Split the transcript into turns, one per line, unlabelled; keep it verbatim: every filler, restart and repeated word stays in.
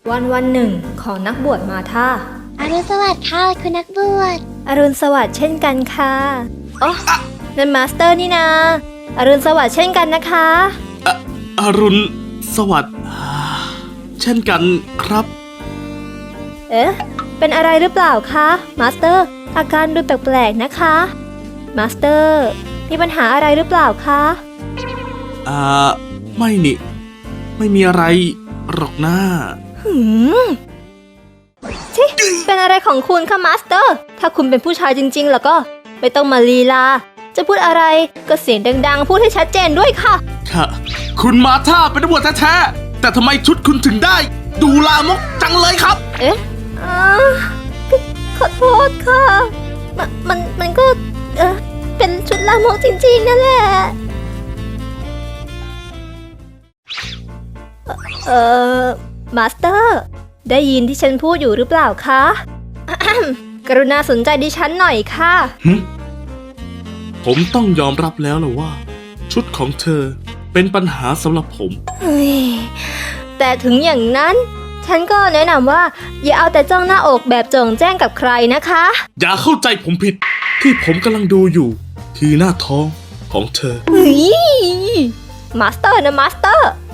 วันวันหนึ่งของนักบวชมาธา
อรุณสวัสดิ์ค่ะคุณนักบวช
อรุณสวัสดิ์เช่นกันค่ะอ๋อนั่นมาสเตอร์นี่นาอรุณสวัสดิ์เช่นกันนะคะ
ออรุณสวัสดิ์เช่นกันครับ
เอ๊ะเป็นอะไรหรือเปล่าคะมาสเตอร์อาการดูแปลกๆนะคะมาสเตอร์มีปัญหาอะไรหรือเปล่าคะ
อ่าไม่นี่ไม่มีอะไรหรอกนะ
หืมชิเป็นอะไรของคุณคะมาสเตอร์ถ้าคุณเป็นผู้ชายจริงๆแล้วก็ไม่ต้องมาลีลาจะพูดอะไรก็เสียงดังๆพูดให้ชัดเจนด้วยค่ะ
ค่ะคุณมาธาเป็นตำรวจแท้ๆแต่ทำไมชุดคุณถึงได้ดูลามกจังเลยครับ
เอ๊ะอ่าขอโทษค่ะมันมันมันก็เออเป็นชุดลามกจริงๆนั่นแหละเอ่อมาสเตอร์ได้ยินที่ฉันพูดอยู่หรือเปล่าคะ กรุณาสนใจดิฉันหน่อยค่ะ
ผมต้องยอมรับแล้วล่ะว่าชุดของเธอเป็นปัญหาสำหรับผม
แต่ถึงอย่างนั้นฉันก็แนะนำว่าอย่าเอาแต่จ้องหน้าอกแบบโจ่งแจ้งกับใครนะคะ
อย่าเข้าใจผมผิดที่ผมกำลังดูอยู่คือหน้าท้องของเธอ
เฮ้ยมาสเตอร์นะมาสเตอร์